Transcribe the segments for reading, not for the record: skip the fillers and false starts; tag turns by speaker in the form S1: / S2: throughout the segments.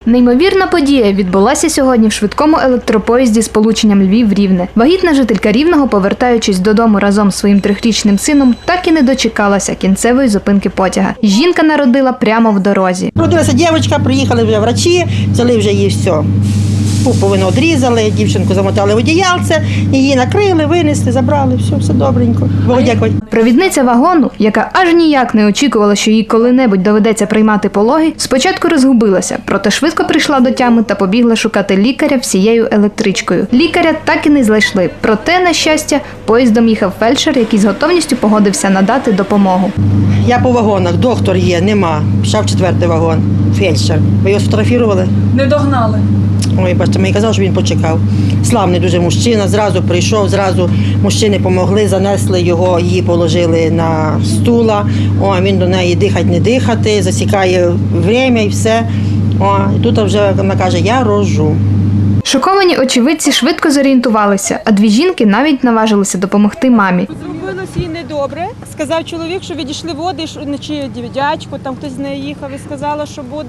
S1: Неймовірна подія відбулася сьогодні в швидкому електропоїзді з полученням Львів-Рівне. Вагітна жителька Рівного, повертаючись додому разом з своїм 3-річним сином, так і не дочекалася кінцевої зупинки потяга. Жінка народила прямо в дорозі.
S2: Родилася дівчинка, приїхали вже врачі, взяли вже її все. Пуповину відрізали, дівчинку замотали в одіялце, її накрили, винесли, забрали, все добренько. Богу дякувати.
S1: Провідниця вагону, яка аж ніяк не очікувала, що їй коли-небудь доведеться приймати пологи, спочатку розгубилася, проте швидко прийшла до тями та побігла шукати лікаря всією електричкою. Лікаря так і не знайшли, проте, на щастя, поїздом їхав фельдшер, який з готовністю погодився надати допомогу.
S2: Я по вагонах, доктор є, нема. Пішов 4-й вагон, фельдшер. Ви його сфотографували?
S3: Не догнали.
S2: Ой, бачите, мені казав, що він почекав. Славний дуже мужчина, зразу прийшов, зразу мужчини допомогли, занесли його, її положили на стула. О, він до неї дихати, не дихати, засікає время і все. О, і тут вже вона каже, я рожу.
S1: Шоковані очевидці швидко зорієнтувалися, а дві жінки навіть наважилися допомогти мамі.
S4: Зробилось їй недобре. Сказав чоловік, що відійшли води, чи дядько, там хтось з нею їхав і сказала,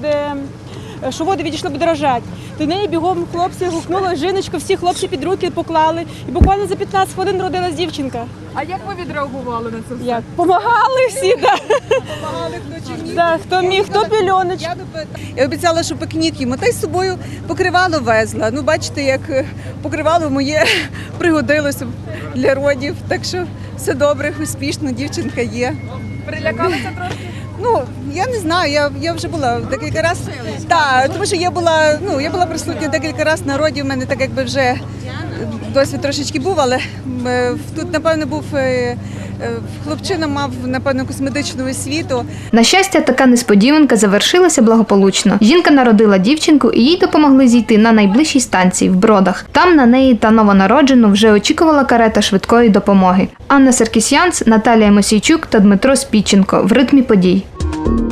S4: що води відійшли, буде рожати. До неї бігом хлопці гукнули, жіночку, всі хлопці під руки поклали. І буквально за 15 хвилин родилась дівчинка.
S3: А як ви відреагували на це все?
S4: Як? Помагали всі, так.
S3: Помагали хто чи ні?
S4: Да, хто міг, хто пільоночку.
S5: Я обіцяла, що пікнік йому, та й з собою покривало везла. Ну, бачите, як покривало моє пригодилося для родів. Так що все добре, успішно, дівчинка є.
S3: Перелякалися трошки?
S5: Ну, я не знаю, я вже була декілька разів. Так, тому що я була присутня декілька разів на роді, в мене так якби вже досвід трошечки був, але тут, напевно, був хлопчина мав, напевно, косметичну освіту.
S1: На щастя, така несподіванка завершилася благополучно. Жінка народила дівчинку і їй допомогли зійти на найближчій станції в Бродах. Там на неї та новонароджену вже очікувала карета швидкої допомоги. Анна Саркісянц, Наталія Мосійчук та Дмитро Спіченко в ритмі подій.